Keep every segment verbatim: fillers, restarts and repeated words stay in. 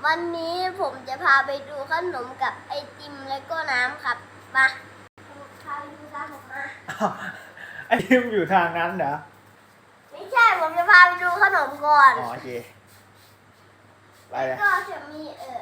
วันนี้ผมจะพาไปดูขนมกับไอติมแล้วก็น้ำครับมาพาไปดูตามผมมาอ้าวไอติมอยู่ทางนั้นเหรอไม่ใช่ผมจะพาไปดูขนมก่อนอ๋อโอเคไปเลยก็จะมีเออ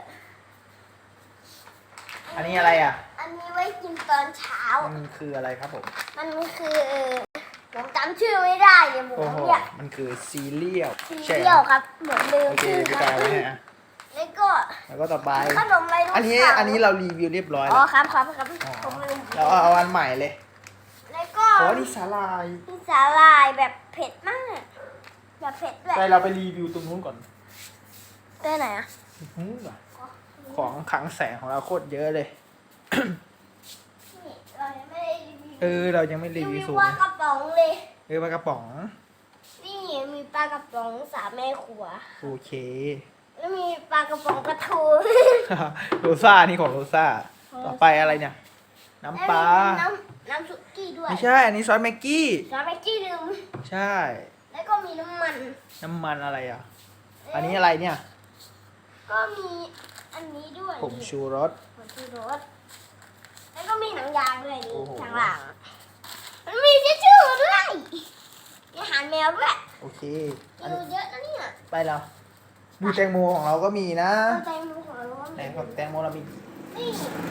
อันนี้อะไรอ่ะอันนี้ไว้กินตอนเช้ามันคืออะไรครับผมมันคือเออผมจำชื่อไม่ได้เนี่ยผมโอ้โหเนี่ยมันคือซีเรียลซีใช่เรียลครับเหมือนลืมโอเคชื่อพี่คการับยไว้ให้อ่ะแล้วก็แล้วก็ต่อไปขนมอะไรรู้อันนี้อันนี้เรารีวิวเรียบร้อยอ๋อแล้วครับครับครับอ๋อผมลืมเราเอาอันใหม่เลยแล้วก็โอ้นี่สาลายมีสาหร่ายแบบเผ็ดมากแบบเผ็ดด้วยไปเราไปรีวิวตรงนู้นก่อนได้ไหนอ่ะอื้อหือของขลังแสงของเราโคตรเยอะเลยนี่เรายังไม่ได้รีวิวเออเรายังไม่รีรีวิวิววสูงปลากระป๋องเลยเออปลากระป๋องนี่มีปลากระป๋องสามแม่ครัวโอเคแล้วมีปลากระป๋องกระทูโรซ่านี่ของโรซ่าต่อไปอะไรเนี่ย น้ำปลาแล้วมีน้ำน้ำซุกี้ด้วยไม่ใช่ อันนี้ซอสแม็กกี้น้ำแม็กกี้ลืมใช่แล้วก็มีน้ำมันน้ำมันอะไรอ่ะ อันนี้อะไรเนี่ยก็มีอันนี้ด้วยผงชูรสผงชูรสแล้วก็มีหนังยางด้วยนี่โอ้โหทางหลังมันมีทิชชู่ด้วยมีอาหารแมวด้วยโอเคเยอันอะนี้เยอะนะเนี่ยไปแล้วบูแตงโมของเราก็มีนะเอาใจมือของเราไหนของแตงโมเรามีนี่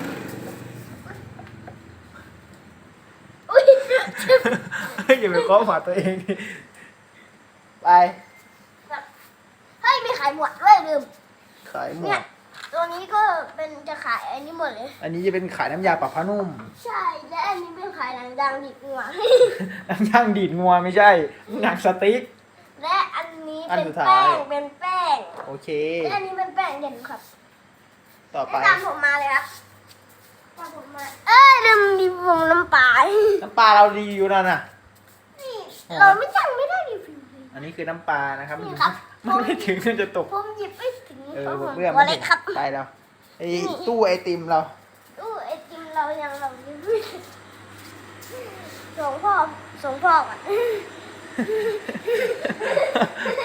อุ้ยอย่าไปเคาะหัวตัวเองดิไปเฮ้ยมีขายหมดด้วยลืมขายหมเนี่ดยตัวนี้ก็เป็นจะขายอันนี้หมดเลยอันนี้จะเป็นขายน้ำยาปรับผ้านุ่มใช่และอันนี้เป็นขายหนังดังดิบงัวน้ำย่างดีดงัวไม่ใช่หนังสติ๊กและอันนี้อันเป็นสุดท้ายแป้งเป็นแป้งโอเคและอันนี้เป็นแป้งเย็นครับต่อไปตามผมมาเลยครับตามผมมาเอ้ยลืมดิผมน้ำปลาน้ำปลาเรารีวิวนั่นน่ะนี่เราไม่จังไม่ได้รีวิวเลยอันนี้คือน้ำปลานะครับนี่ครับมันไม่ถึงมันจะตกผมหยิบไม่ถึงเออเพราะผมเพื่อนตัมัวน เล็ถึกงครับไปแล้วไอ้นี่ตู้ไอติมเราตู้ไอติมเรายังเรารีวิวส่งพ่อส่งพ่อก่อน